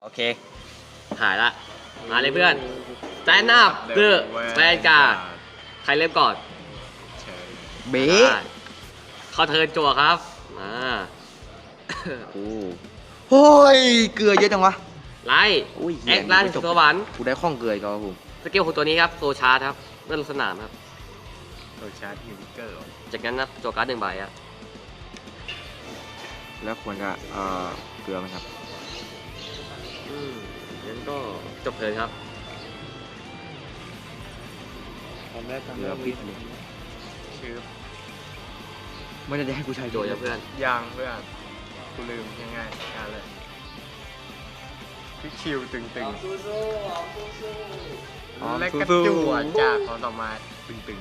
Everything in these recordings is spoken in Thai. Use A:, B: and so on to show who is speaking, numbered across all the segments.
A: โอเคหายละมาเลยเพื่อนแซนนับเดอะแวนการ์ดใครเริ่มก่อน
B: เบ๊
A: เข้าเทิร์นจั่วครับมา
B: โอ้ยเกลือเยอะจังวะ
A: ไล่แอคล่าถึงสวรรค์
B: กูได้ข้องเกลืออีกแล้วผม
A: สกิลของตัวนี้ครับโซชาร์ครับเมื่อลงสนามครับ
C: โซชาร์ฮิวเกอร์
A: จากนั้นนะจั่วการ์ดหนึ่งใบอะ
B: แล้วควรจะเกลือไหมครับ
A: งั้นก็จบเทิร์นครับ
C: ตอนแรก
B: เกลือพิษเลย
C: ชื่อ
B: ไม่ได้ให้กูใช้
A: จั่วเพื่อน
C: ยางเพื่อนกูลืมง่ายๆการเลยพี่คิวตึงๆและกระจั่วจากของต่อมาตึง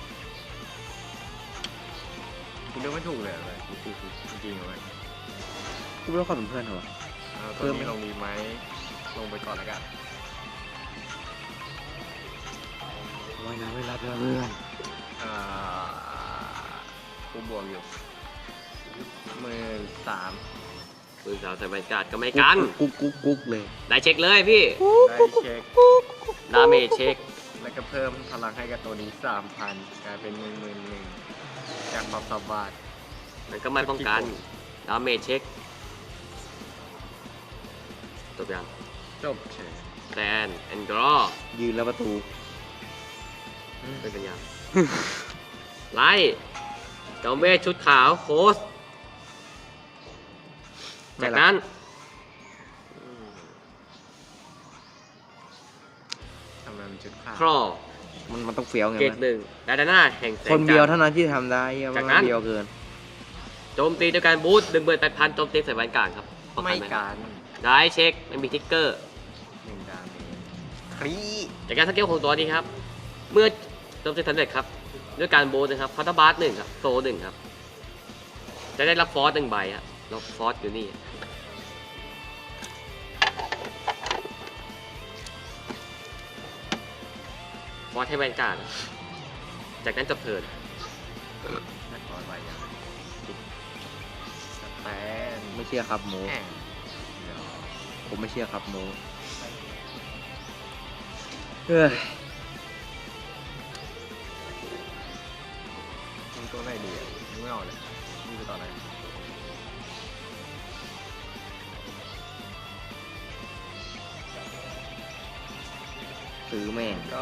C: ๆกูเลือกไม่ถูกเลยเลยจริงๆเลย
B: กูไม่รู้ความเป็นเพื่อนเหรอ
C: ตัวนี้ลงดีไหมลงไปก่อนแล้วกัน
B: ว่ายน้ำไม่รับแล้วเพื่อน
C: กูบวกอยู่13,000
A: ปืนสาวใส่แวนการ์ดก็ไม่กัน
B: กุ๊กเลย
A: ได้เช็คเลยพี่
C: ได้เช็ค
A: ดาเมจเช็ค
C: แล้วก็เพิ่มพลังให้กับตัวนี้ 3,000 กลายเป็น 11,000จากความสามารถ
A: มันก็ไม่ป้องกันดาเมจเช็คจบยัง
C: จบเฉย
A: แซนแอนดรอ
B: ยืนแล้วประตู
A: เป็นกันยัง ไล่จอมเวทชุดขาวโคสจากนั้น
C: ทำไมมันจุดขาด
A: ครอ
B: มันต้องเฟี้ยวไง
A: เกต
B: วะ
A: หนึ่งดาดาน่าแห่งแสง
B: คนเดียว
A: จันทร์
B: เท่านั้นที่ทำได้เหี้ย
A: จาก
B: มั
A: นั้น
B: นเดียวเกิน
A: โจมตีด้วยการบูสต์18,000โจมตีใส่แวนการ์ดครับป้อง
C: ไม่
A: นห
C: การ
A: ได้เช็คไม่มีทิกเกอร์
C: 1 ดาเมจครี
A: จากการสกิลของตัวนี้ครับ เมื่อโจมตีสำเร็จครับ ด้วยการบูสต์นะครับคาร์ตบาร์หนึ่งครับโซหนึ่งครับ จะได้รับฟอสหนึ่งใบครับแล้วฟอสอยู่นี่ฟอสให้แวนการ์ดจากนั้นจบเทิร์น
C: นักบอลไว้ยังสแตน
B: ไม่เชื่อครับโม
C: แห่งเดี๋ยว
B: ผมไม่เชื่อครับโมเฮ้ย
C: มึงตัวไหนดีอ่ะมึงไม่เอาเลยมึงจะต่อไหน
B: ซื้อแม่ง
C: ก็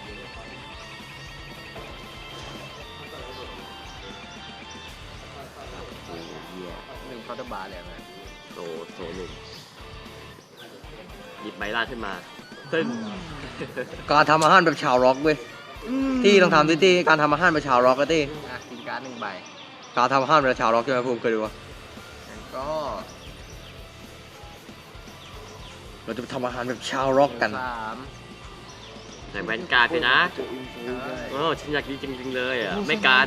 B: โอ้ยเหี้ย
C: 1เคาน์เตอร์บาร์เลยไหม
A: โซหนึ่งหยิบใบล่างขึ้นมาซึ่ง
B: การทำอาหารแบบชาวร็อกเว้ยที่ต้องทำที่การทำอาหารแบบชาวร็อกก็ที่
C: กินการ์ด1 ใบ
B: การทำอาหารแบบชาวร็อกใช่ไหมผมเคยดูวะ
C: งั้นก็
B: เราจะไปทำอาหารแบบชาวร็อกกัน
A: ใส่แวนการ์ดด้วยนะ
C: 3
A: โอ้ฉันอยากดีจริงๆเลยอ่ะ ไม่กัน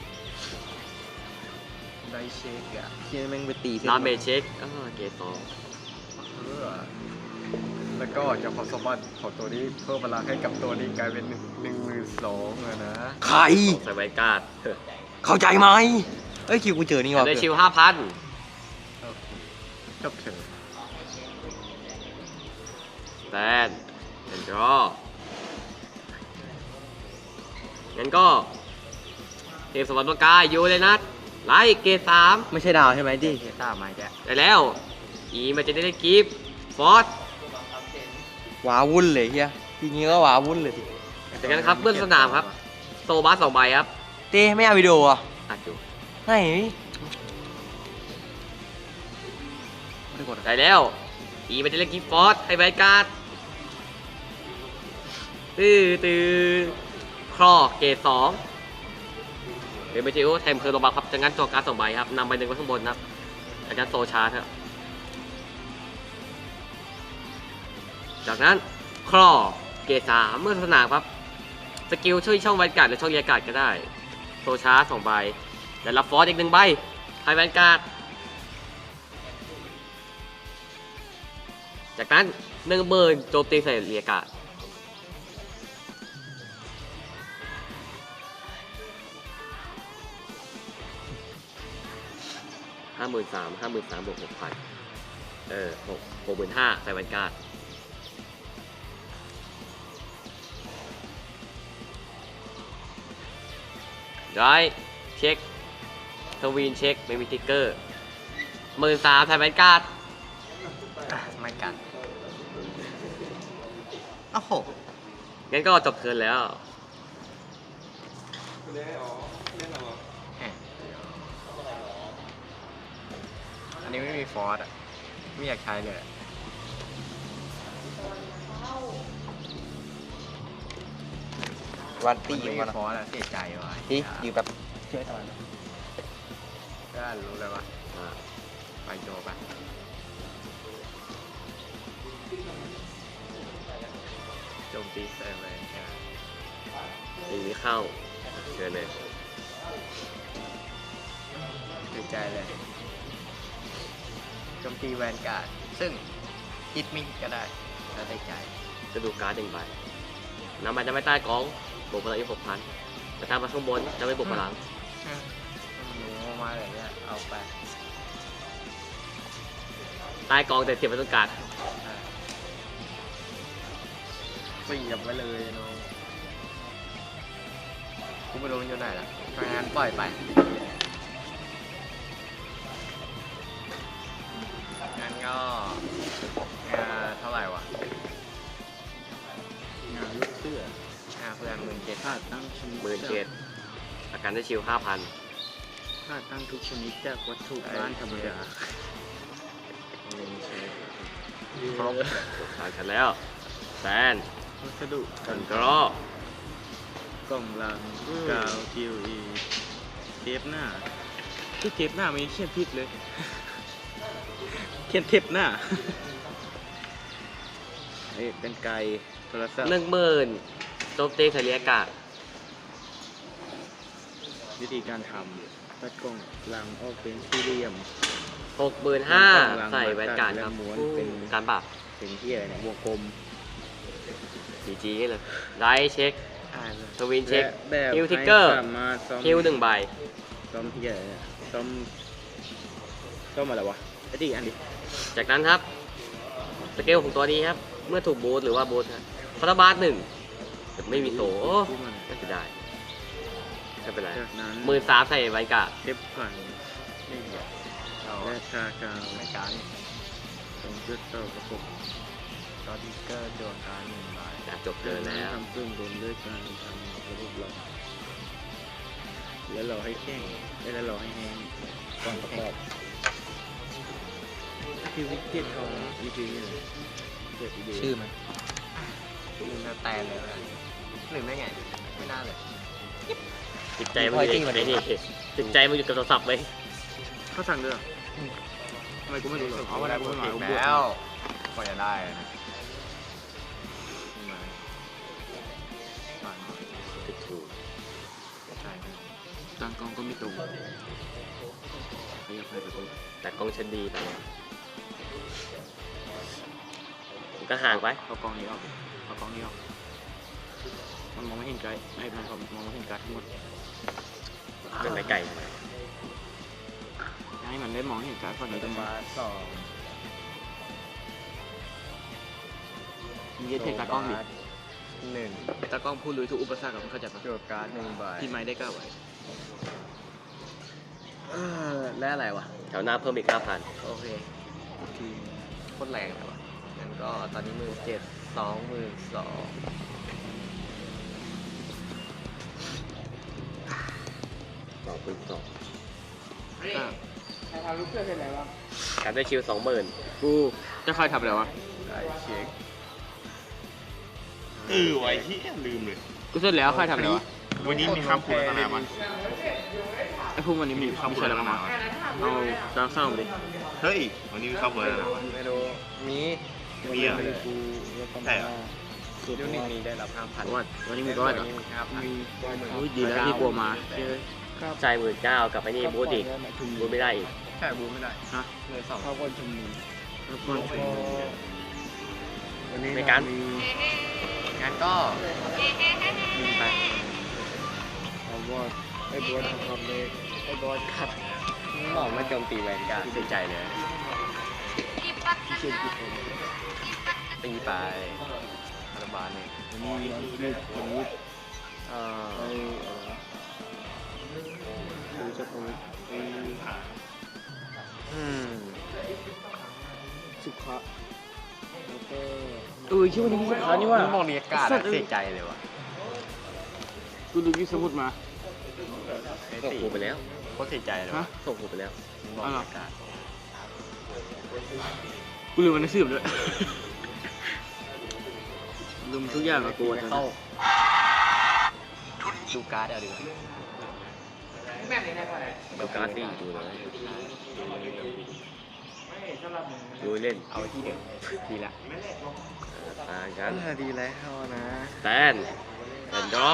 C: ได้เช็คอ่ะ
B: เชี่ยแม่งไปตีเส้น
A: ดาเมจเช็คเกตสอง
C: เพื่อแล้วก็จากความสามารถของตัวนี้เพิ่มพลังให้กับตัวนี้กลายเป็น12,000อะนะ
B: ใคร
A: ใส่แวนการ์ด
B: เข้าใจไหมเอ้ยคิวกูเจอนี่วะ
A: ได้ชิว 5,000
C: โอเคจบเถอะ
A: แซนแอนดรองั้นก็เทพสวรรค์ประกายอยู่เลยนะไล่เกต3
B: ไม่ใช่ดาวใช่ไหมดิ
C: เฮต้ามาแก
A: ได้แล้ว มันจะได้กิฟต์ฟอส
B: ว้าวุ่นเลยเฮียทีนี้ก็ว้าวุ่นเลยสิ
A: จากนั้นครับเบื้องสนามครับ โซบาส2 ใบครับ
B: เต้ไม่เอาวิดีโออ่ะ
A: อัดอยู่
B: ไหนไม่ได้กด
A: ได้แล้ว มันจะได้กิฟต์ฟอสให้แวนการ์ดตื้อครอเกต2เป็นเมจิโอแทมเพอร์โลบาครับจากนั้นตัวการ์ด2 ใบครับนำใบหนึ่งไว้ข้างบนครับจากนั้นโซชาร์ครับจากนั้นครอเกต3เมื่อสนามครับสกิลช่วยช่องแวนการ์ดหรือช่องเรียกการ์ดก็ได้โซชาร์2 ใบและรับฟอสอีก1 ใบให้แวนการ์ดจากนั้น10,000โจมตีใส่เรียกการ์ด53,000 บวก 6,000 65,000ใส่แวนการ์ดได้เช็คทวีนเช็คไม่มีติ๊กเกอร์13,000ใส่แวนการ์ด
B: ไม่กันโอ้โห
A: งั้นก็จบเทิร์นแล้ว
C: อันนี้ไม่มีฟอร์สอ่ะ ไม่อยากใช้เลยอะ
B: วันตี
C: ไม่
B: อยู่
C: มี
B: กัน
C: ฟอร์สอ่ะเสียใจว่ะ
B: ที่อยู่แบบช่วยทำไม
C: ก็รู้เลยว่า
A: อ่า
C: ไปโจไปโจมตีใส่แวนการ์ด
A: ตีไม่เข้าเชิญเลย
C: เสียใจเลยโจมตีแวนการ์ดซึ่งฮิตมิกก็ได้แล้วได้ใจ
A: จะดูการ์ด1 ใบนำไปจะไม่ใต้กองบวกพลังอีก 6,000 แต่ถ้ามาข้างบนจะไม่บวกพลัง
C: หนูมาอะไรเงี้ยเอาไป
A: ใต้กองแต่เสียบไปตรงกลาง
C: เสียบไว้เลยน้องกูไม่รู้มันอยู่ไหนละเพราะงั้นปล่อยไปงั้นก็เท่าไหร่วะ
D: งานลูกเสื้อ
C: เพื่อน17,000
D: ค่าตั้งชนิด
A: 17,000อาการได้ชิล 5,000
D: ค่าตั้งทุกชนิดจากวัตถุบ้านธรรมดา
C: ครบ
A: ผ่านกันแล้วแซน
D: วัสดุ
A: กันกรอก
D: ล่องลังกาวกิวอีเทปหน้าที่เทปหน้ามันเขียนผิดเลย เขียนเทปหน้าเอ้ยเป็นไกลโทรศัพท์
A: 10,000โจมตีทะเลอากาศ
D: วิธีการทำตัดกล่องลังออกเป็นสี่เหลี่ยม
A: 65,000ใส่แวนการ์ดครับ
D: ม้วนเป็น
A: การปราบ
D: เป็นที่อะไรเนี่ยวงกลม
A: GG เลยได้เช็ค ทวินเช็ค
D: และแบบ
A: ฮิวทิกเกอร์
D: ให้สามารถซ่อม
A: ฮิล1 ใบ
D: ซ่อมที่อะไรเนี่ยซ่อมอะไรวะไอ้ดิอันดิ
A: จากนั้นครับ สเกลของตัวนี้ครับ เมื่อถูกบูทหรือว่าบูทครับคาราบาส1แต่ไม่มีโซโอ้
D: ที่มัน
A: ไม่เสียดายไม่เป็นไร
D: จากนั้น
A: 13,000ใส่แวนการ์ด
D: เทปพัน
C: นี่เดี๋ยวเอา
D: และชากาว
C: รายการ
D: ตรงจุดต่อประกบ
C: ก็ทิกเกอร์โดนการ1 ใบ
A: อยากจบเลยแล้ว
D: ทำเครื่องบนด้วยการทำระบบหลอกแล้วเราให้แข็งแล้วเราให้แห้งก่อนประกอบคือวิกเก็ตของอีพีนี่เลยเกิดอีเดีย
B: ชื่อมัน
C: มึงน่าแตนเลยนะหรือไม่ไง ไม่น่าเลย
A: จิตใจมันอยู่ในนี่จิตใจมันอยู่กับโทรศัพท์ไหม
D: เขาสั่งด้วยเหรอทำไมกูไม่รู้หรอ
C: เอามาได้โปรเทค
D: บวก
C: แล้วกว่าจะได้นะมา
A: ติดถูก
C: ใช่ครับ
D: ตั้งกล้องก็ไม่ตรงขยับไปประตู
A: แต่กล้องชั้นดีไปมันก็ห่างไป
D: เอากล้องนี้ออกเอากล้องนี้ออกมันมองไม่เห็นไกลไอ้มันมองไม่เห็นการ์ดทั้งหมด
A: เป็นไก่
D: ให้มันได้มองเห็นการ์ดฝั่งนี้ตรง
C: มา
D: มา
C: 2
D: มีเยอะเทการ์ดกล้องดิ
C: 1
D: ตากล้องพูดลุยทุกอุปสรรคกับมันเข้าใจปะ
C: โจทย์การ์ด1 ใบ
D: พี่ไม้ได้ก้าวไว้
C: และอะไรวะ
A: แถวหน้าเพิ่มอีก 5,000
C: โอเคทีโคตรแรงเลยวะงั้นก็ตอนนี้17,000 22,000
A: 2คูณ2
D: อ่ะ
A: การได้ชิล 20,000
D: กูจะใครทำอะไรวะ
C: ได้เช็ค
E: ไว้ที่ลืมเลย
D: กูเสร็จแล้วใครทำอะไรวะ
E: วันนี้มีคำพูดอะไรบ้าง
D: ไอ้พวกมันนี้มีมีใครทำอะไรวะเอาตามเศร้ามาดิ
E: เฮ้ย วันนี้มีคำพูดอะไรบ้าง
C: ไม่รู้มี
E: มีเหรอ
D: กู
E: ใช่เหรอ
C: ยูนิตนี้ได้รับ 5,000
D: วัดวันนี้มีก็วัดเหรอ
C: วันนี้มี5,000
D: อุ้ยดีแล้วที่กลัวมาเฮ้ย
A: จ่าย19,000กับไอ้นี่บูทอีกบูทไม่ได้อีก
C: แค่บูไม่ได้
D: ฮะ
C: เลย2
D: แล้วก็วันนี้
A: ในการ
C: งั้นก็ยิงไป
D: เอาว่าไอ้บอสทำเลย
C: ไอ้บอสครับบอกไม่โจมตีแวนการ์ดเสียใจเลย
D: พี่เชียนกิจ
C: ตีไปรัฐบาลเนี่ย
D: วันนี้วันนี้
C: อ่า
D: ไอ้ดูจะพงไอ้ สุขะแล้วก็ชื่อวันนี้พี่สุขะนี่ว่า
C: มองเรียกการเสียใจเลยวะ
D: กูดูยี่สมุดมา
A: ส่งกูไปแล้ว
C: โคตรเสียใจเลยวะ
A: ส่งกูไปแล้ว
C: มองเรียกการ
D: กูลืมมันหนังสือด้วยลืมทุกอย่างกับกูตอน
C: เข้า
D: นี้
C: ดูการ์ดเอาดีกว่า
A: ดูการ์ดดิดูเลยดูเล่น
C: เอาที่เดิมดีละ
A: ต่างกัน
C: ดีแล้วนะ
A: สแตนแอนดรอ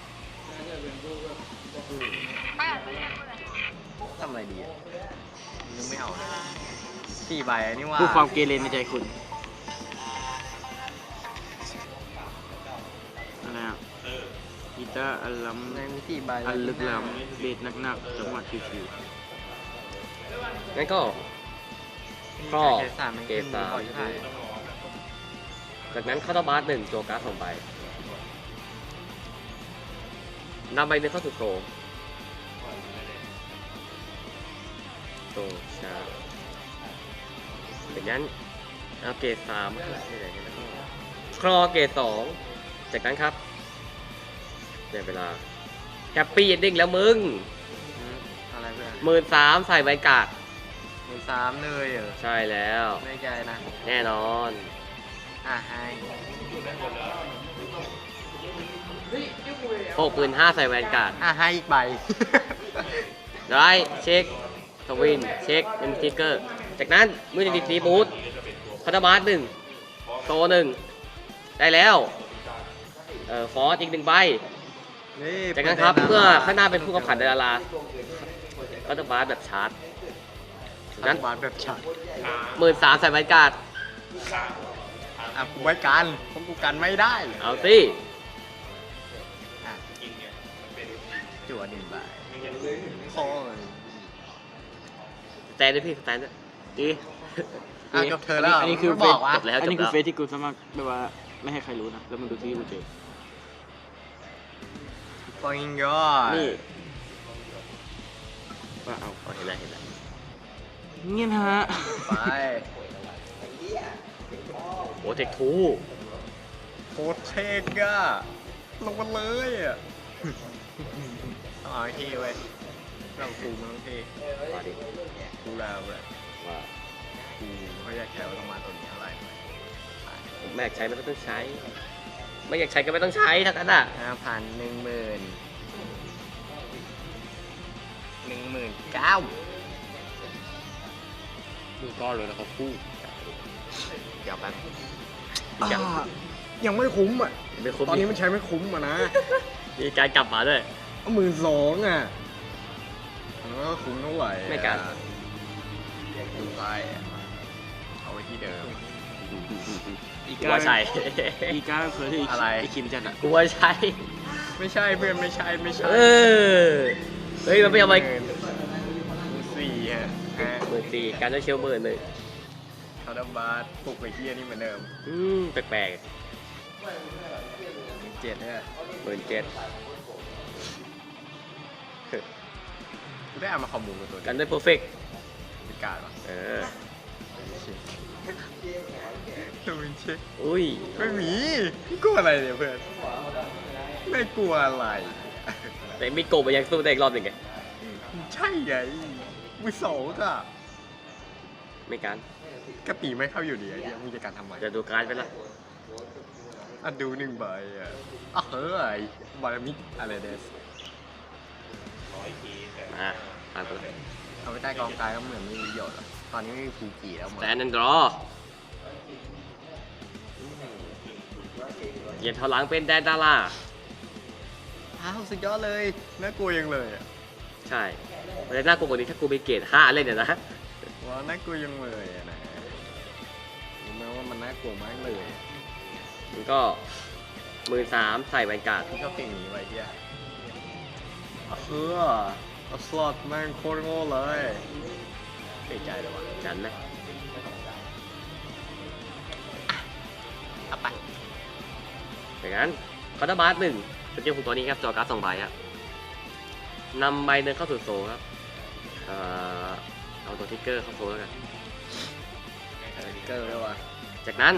C: ทำอะไรดีอะนึกไม่เอา4 ใบนี่ว่า
D: พูดความเกเรในใจคุณอะไรอ่ะกีตาร์อัลลัม
C: ในมี4 ใบ
D: อันลึกล้ำเบสหนักๆจังหวะชิว
A: งั้นก็ครอ
C: เกรด3มัน
A: เกรด
C: ขึ้น
A: สาม
C: ก่อนใช่
A: จากนั้นเข้าตบาร์1ตัวการ์ด2ใบนำใบหนึ่งเข้าสู่โซโซชาจากนั้นเอาเกรด3ที่ไหนกันนะครอเกรด2จากนั้นครับในเวลาแฮปปี้เอนดิ้งแล้วมึง
C: อะไรเพื่อน
A: 13,000ใส่ใบกาด
C: มือ3เลยเหรอ
A: ใช่แล้ว
C: ไม่ใจนะ
A: แน่นอน
C: ให้
A: 65,000ใส่แวนการ์ด
C: ให้อีกใบ
A: ได้เช็คทวินเช็คเป็นสติ๊กเกอร์ จากนั้นมือดีบูทพัตบาร์1โซ1ได้แล้วฟอร์สอีก1ใบ
C: นี่
A: จากนั้นครับเพื่อข้างหน้าเป็นผู้กำกับดาราพัตบาร์แบบชาร์จจากนั้น
C: บาทแบบฉัด
A: 13,000ใส่แวนการ์ด
C: กูไว้กันเพราะกูกันไม่ได้
A: เอาสิ
C: จั่ว1 ใบโอ้ย
A: สแตนด้วยพี่สแตนด้วย
D: ๆดี
C: จบเธอแล้ว
D: อันนี้คือ
C: ไม่บอกว่า
A: จบแล้ว
D: อันนี้คือเฟซที่กูสมัครแบบว่าไม่ให้ใครรู้นะ แล้วมันดูที่กูเจอ
C: ฟังยอด
A: นี่
D: ว่าเอา
A: เห็นแล้วเห็นแล้ว
D: เงี้ยนะฮะ
C: ไป
A: โอ้เทคทู
C: โคตรเทกอะลงมาเลยอะต้องเอาให้เท่เว้ยเรากูมันต้องเท่
A: มาดิ
C: กูแล้วเว้ย
A: ว่า
C: กูไม่อยากแค่ว่าต้องมาตัวนี้อะไร
A: ไม่อยากใช้ไม่ต้องใช้ ไม่อยากใช้ก็ไม่ต้องใช้ทั้งนั้นอ่ะ
C: 5,000 19,000
A: ดูก้อนเลยนะครับคู่
C: เดี๋ยวแป๊บ
D: ยังไม่คุ้มอ่ะ
A: ไม่คุ้ม
D: ตอนนี้มันใช้ไม่คุ้มอ่ะนะ
A: มีการกลับมาด้วย
D: 12,000อ่ะ
C: มันก็คุ้มเท่าไหร่
A: ไม่กัน
C: ดูไปเอาไว้ที่เดิม
D: อีก
A: กูว่าใช่
D: อีกาเผื่อที่
C: อะไร
D: อีคิมจัดอ่ะ
A: กูว่าใช่
C: ไม่ใช่เพื่อนไม่ใช่
A: เออ เฮ้ย มันไม่เอาไป
C: 4ฮะ
A: 14,000การด้วยเชล11,000
C: คาร์ดบาร์ปลุกไปเฮียนี่เหมือนเดิม
A: แปลก
C: 7เนี่ย
A: ๆ17,000
C: กูได้เอามาคอมมูนกับตัว
A: กั
C: นี้
A: นด้วยเพอร์เฟก
C: เป็นการวะ
A: เออ
C: ดูมันเช็ค
A: อุ้ย
C: ไม่มีพี่กลัวอะไรเนี่ยเพื่อน ไม่กลัวอะไร
A: แต่มีโกบมันยังสู้ได้อีกรอบหนึ่งไง
C: ใช่ไงมือ2ก็
A: ไม่การ
C: กระตีไม่เข้าอยู่ดีไอ้เหี้ยมึงจะการทำไม
A: จะดูการ์ดไปละ
C: อ่ะดู1 ใบอ่ะเฮ้ยบารามิอะไรเดส
A: มาผ่านไปแล้ว
C: เอาไปใต้กองกายก็เหมือนไม่มีประโยชน์หรอกตอนนี้ไม่มีฟูกิแล้วมั้ง
A: แต่นันดรอเหยียดเท้าหลังเป็นแดนดารา
C: สุดยอดเลยน่ากลัวยังเลยอ่ะ
A: ใช่มันจะน่ากลัวกว่านี้ถ้ากูไปเกรด5เล่นเนี่ยนะ
C: ว้าน่ากลัวยังเลยอะนะรู้ไหมว่ามันน่ากลัวมากเลย
A: มันก็13,000ใส่แวนการ์ด
C: พี่ชอบเพลงนี้ไว้เฮียเอาสล็อตแม่งโคตรโง่เลยเสียใจเลยว่ะ
A: จันไหม
C: ไป
A: อย่างนั้นคอร์ดบาร์หนึ่งสกิลของตัวนี้ครับจอการ์ด2 ใบครับนำใบหนึ่งเข้าสู่โซลครับเอาตัวทิกเกอร์เข้าโซลแล้วกัน
C: เกอร์ด้วยว่ะ
A: จากนั้น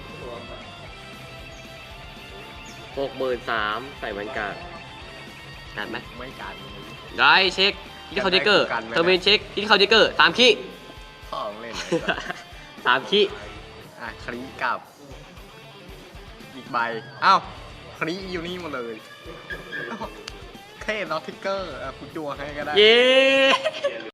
A: 63,000ใส่แวนการ์ดนัดไหม
C: ไม่กัน
A: ได้เช็คที่เขาทิกเกอร์
C: กันไว้นะ
A: เทอร์มินเช็คที่เขาทิกเกอร์3 ขี้
C: พ่อของเล่นเลย
A: 3 ขี้
C: อ่ะคลีกับ อีกใบอ้าวคลีอยู่นี่หมดเลยเท่น็อตทิกเกอร์อ่ะคุณจัวให้ก็ได้
A: เย้